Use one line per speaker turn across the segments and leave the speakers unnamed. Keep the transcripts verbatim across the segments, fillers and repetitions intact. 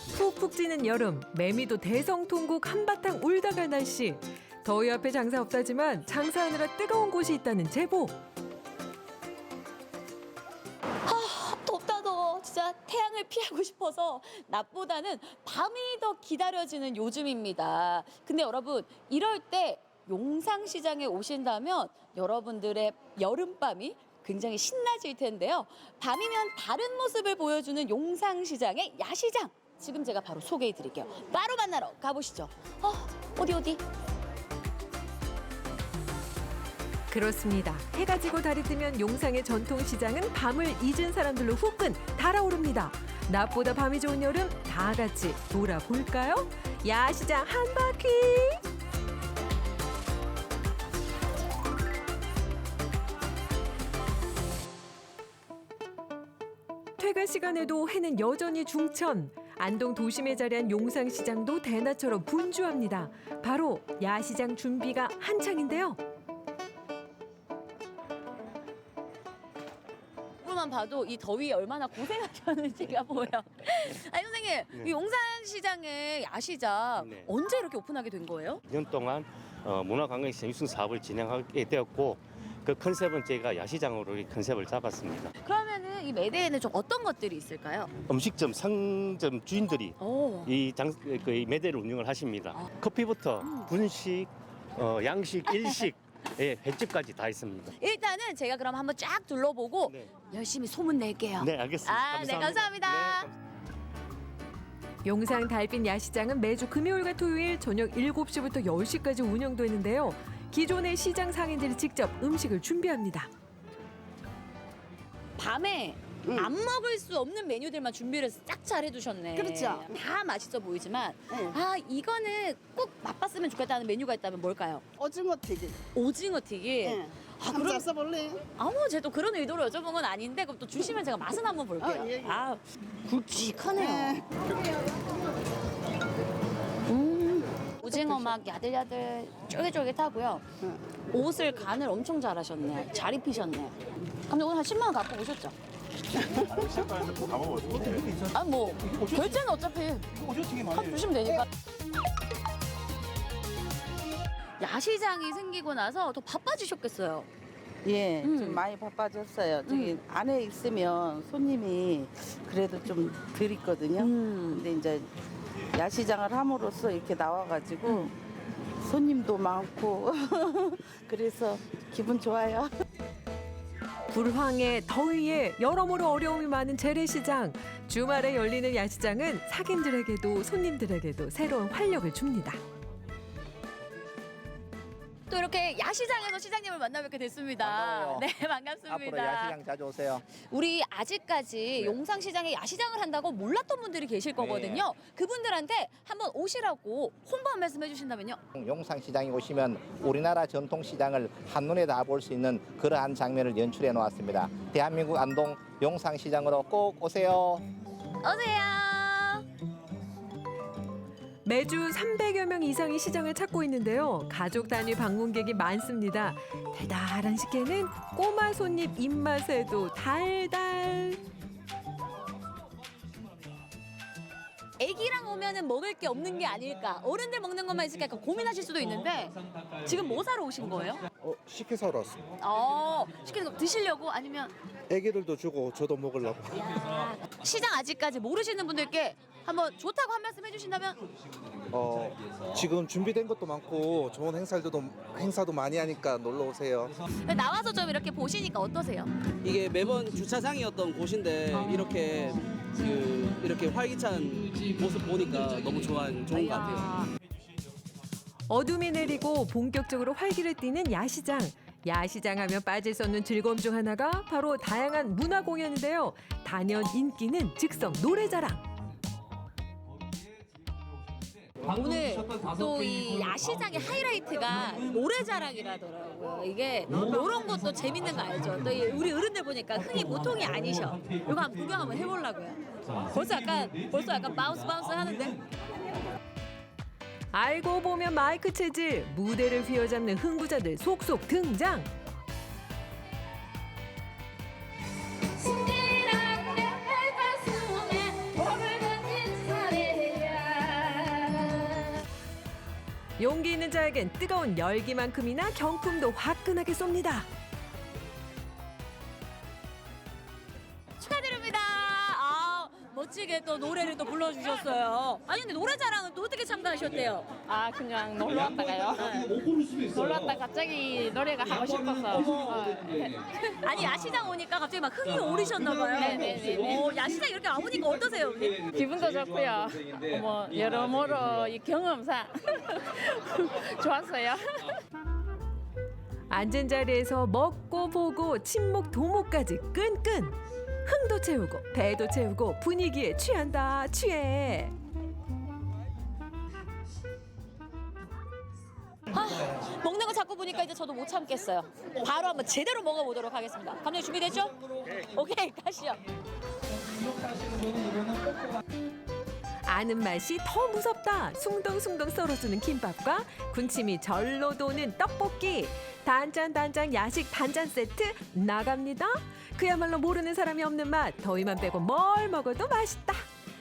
푹푹 찌는 여름, 매미도 대성통곡 한바탕 울다 갈 날씨. 더위 앞에 장사 없다지만 장사하느라 뜨거운 곳이 있다는 제보.
덥다 더워. 진짜 태양을 피하고 싶어서 낮보다는 밤이 더 기다려지는 요즘입니다. 근데 여러분 이럴 때 용상시장에 오신다면 여러분들의 여름밤이 굉장히 신나질 텐데요. 밤이면 다른 모습을 보여주는 용상시장의 야시장. 지금 제가 바로 소개해 드릴게요. 바로 만나러 가보시죠. 어, 어디 어디?
그렇습니다. 해가 지고 달이 뜨면 용상의 전통시장은 밤을 잊은 사람들로 후끈 달아오릅니다. 낮보다 밤이 좋은 여름 다 같이 돌아볼까요? 야시장 한 바퀴! 퇴근 시간에도 해는 여전히 중천. 안동 도심에 자리한 용상시장도 대낮처럼 분주합니다. 바로 야시장 준비가 한창인데요.
만 봐도 이 더위에 얼마나 고생하셨는지가 보여. 아니 선생님,
네.
이 용산시장의 야시장
네.
언제 이렇게 오픈하게 된 거예요?
이 년 동안 어, 문화관광시장 육성 사업을 진행하게 되었고 그 컨셉은 제가 야시장으로 이 컨셉을 잡았습니다.
그러면은 이 매대에는 좀 어떤 것들이 있을까요?
음식점, 상점 주인들이
오.
이 장, 그 이 매대를 운영을 하십니다.
아.
커피부터
음.
분식, 어, 양식, 일식, 예, 횟집까지 다 있습니다.
일단은 제가 그럼 한번 쫙 둘러보고
네,
열심히 소문 낼게요.
네 알겠습니다.
아, 네, 감사합니다.
네, 감사합니다.
용상 달빛 야시장은 매주 금요일과 토요일 저녁 일곱 시부터 열 시까지 운영되는데요. 기존의 시장 상인들이 직접 음식을 준비합니다.
밤에
응.
안 먹을 수 없는 메뉴들만 준비를 싹 잘 해두셨네.
그렇죠.
다 맛있어 보이지만
네.
아 이거는 꼭 맛봤으면 좋겠다는 메뉴가 있다면 뭘까요?
오징어 튀김.
오징어 튀김.
예.
아,
한번
그럼-
써볼래?
아무 제도 그런 의도로 여쭤본 건 아닌데 그럼 또 주시면 제가 맛은 한번 볼게요.
어, 예, 예.
아 굵직하네요.
네.
음 오징어 막 야들야들 쫄깃쫄깃하고요.
응.
옷을 간을 엄청 잘하셨네. 잘 입히셨네. 감독님 오늘 한 십만 원 갖고 오셨죠? 아 뭐 결제는 어차피 값 주시면 되니까. 야시장이 생기고 나서 더 바빠지셨겠어요.
예,
음.
좀 많이 바빠졌어요. 저기 안에 있으면 손님이 그래도 좀 덜 있거든요.
음.
근데 이제 야시장을 함으로써 이렇게 나와가지고 손님도 많고 그래서 기분 좋아요.
불황에 더위에 여러모로 어려움이 많은 재래시장. 주말에 열리는 야시장은 상인들에게도 손님들에게도 새로운 활력을 줍니다.
또 이렇게 야시장에서 시장님을 만나뵙게 됐습니다.
반가워요.
네, 반갑습니다.
앞으로 야시장 자주 오세요.
우리 아직까지 용상시장에 야시장을 한다고 몰랐던 분들이 계실 거거든요. 그분들한테 한번 오시라고 홍보 한 말씀 해주신다면요.
용상시장에 오시면 우리나라 전통시장을 한눈에 다 볼 수 있는 그러한 장면을 연출해 놓았습니다. 대한민국 안동 용상시장으로 꼭 오세요.
오세요.
매주 삼백여 명 이상이 시장을 찾고 있는데요. 가족 단위 방문객이 많습니다. 달달한 식혜는 꼬마 손님 입맛에도 달달.
애기랑 오면은 먹을 게 없는 게 아닐까. 어른들 먹는 것만 있을까 약간 고민하실 수도 있는데 지금 뭐 사러 오신 거예요?
어, 식혜 사러 왔습니다.
어, 시키는 거 드시려고 아니면
애기들도 주고 저도 먹으려고.
야, 시장 아직까지 모르시는 분들께 한번 좋다고 한 말씀 해주신다면
어, 지금 준비된 것도 많고 좋은 행사들도 행사도 많이 하니까 놀러 오세요.
나와서 좀 이렇게 보시니까 어떠세요?
이게 매번 주차장이었던 곳인데 이렇게 그 이렇게 활기찬 모습 보니까 너무 좋아 좋은 것 같아요.
어둠이 내리고 본격적으로 활기를 띠는 야시장. 야시장 하면 빠질 수 없는 즐거움 중 하나가 바로 다양한 문화 공연인데요. 단연 인기는 즉석 노래자랑.
오늘 또 이 야시장의 하이라이트가 노래자랑이라더라고요. 이게 이런 것도 재밌는 거 알죠? 또 이 우리 어른들 보니까 흥이 보통이 아니셔. 이거 한번 구경 한번 해보려고요. 벌써 약간 벌써 약간 바운스 바운스 하는데.
알고 보면 마이크 체질, 무대를 휘어잡는 흥부자들 속속 등장.
신기한 내 가슴에 몸을 던진 사례
용기 있는 자에겐 뜨거운 열기만큼이나 경품도 화끈하게 쏩니다.
축하드립니다. 아, 멋지게 또 노래를 또 불러주셨어요. 아니 근데 노래자랑은 또 어떻게 참가하셨대요?
아 그냥 놀러 왔다가요. 놀러 왔다 갑자기 노래가 하고 싶어서. 어,
아니 야시장 오니까 갑자기 막 흥이 오르셨나봐요.
네네네네.
오, 야시장 이렇게 와보니까 어떠세요, 언니?
기분도 좋고요. 뭐 여러모로 이 경험상 좋았어요.
앉은 자리에서 먹고 보고 친목 도모까지 끈끈. 흥도 채우고 배도 채우고 분위기에 취한다 취해.
아, 먹는 거 자꾸 보니까 이제 저도 못 참겠어요. 바로 한번 제대로 먹어보도록 하겠습니다. 감독님 준비됐죠? 오케이, 가시죠.
아는 맛이 더 무섭다. 숭덩숭덩 썰어주는 김밥과 군침이 절로 도는 떡볶이. 단짠 단짠 야식 단짠 세트 나갑니다. 그야말로 모르는 사람이 없는 맛. 더위만 빼고 뭘 먹어도 맛있다.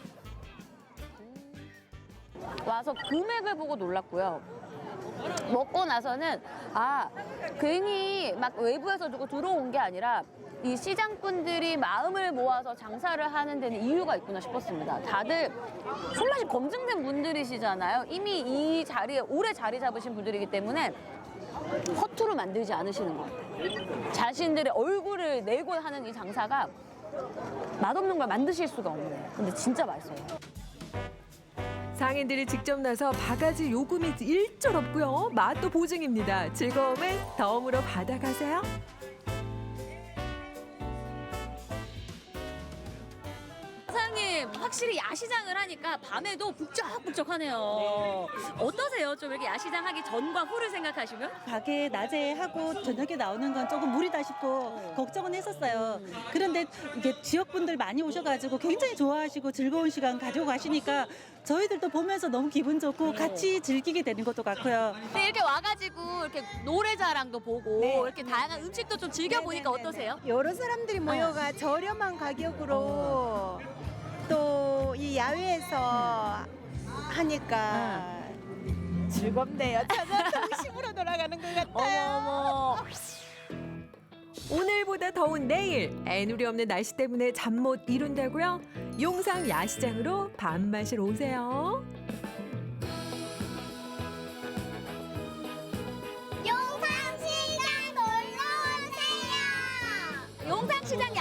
와서 금액을 보고 놀랐고요. 먹고 나서는 아 괜히 막 외부에서 누구 들어온 게 아니라 이 시장분들이 마음을 모아서 장사를 하는 데는 이유가 있구나 싶었습니다. 다들 손맛이 검증된 분들이시잖아요. 이미 이 자리에 오래 자리 잡으신 분들이기 때문에 허투루 만들지 않으시는 것 같아요. 자신들의 얼굴을 내고 하는 이 장사가 맛없는 걸 만드실 수가 없네요. 근데 진짜 맛있어요.
상인들이 직접 나서 바가지 요금이 일절 없고요. 맛도 보증입니다. 즐거움을 덤으로 받아가세요.
사장님 확실히 야시장을 하니까 밤에도 북적북적하네요. 어떠세요? 좀 이렇게 야시장 하기 전과 후를 생각하시면?
가게 낮에 하고 저녁에 나오는 건 조금 무리다 싶고 걱정은 했었어요. 그런데 이게 지역분들 많이 오셔가지고 굉장히 좋아하시고 즐거운 시간 가지고 가시니까 저희들도 보면서 너무 기분 좋고 같이 즐기게 되는 것도 같고요.
근데 이렇게 와가지고 이렇게 노래자랑도 보고
네.
이렇게 다양한 음식도 좀 즐겨보니까 어떠세요?
여러 사람들이 모여가 저렴한 가격으로 또 이 야외에서 하니까 즐겁네요. 저는 정식으로 돌아가는 것 같아요.
어머 어머.
오늘보다 더운 내일. 애누리 없는 날씨 때문에 잠 못 이룬다고요? 용상 야시장으로 밥 마시러 오세요.
용상시장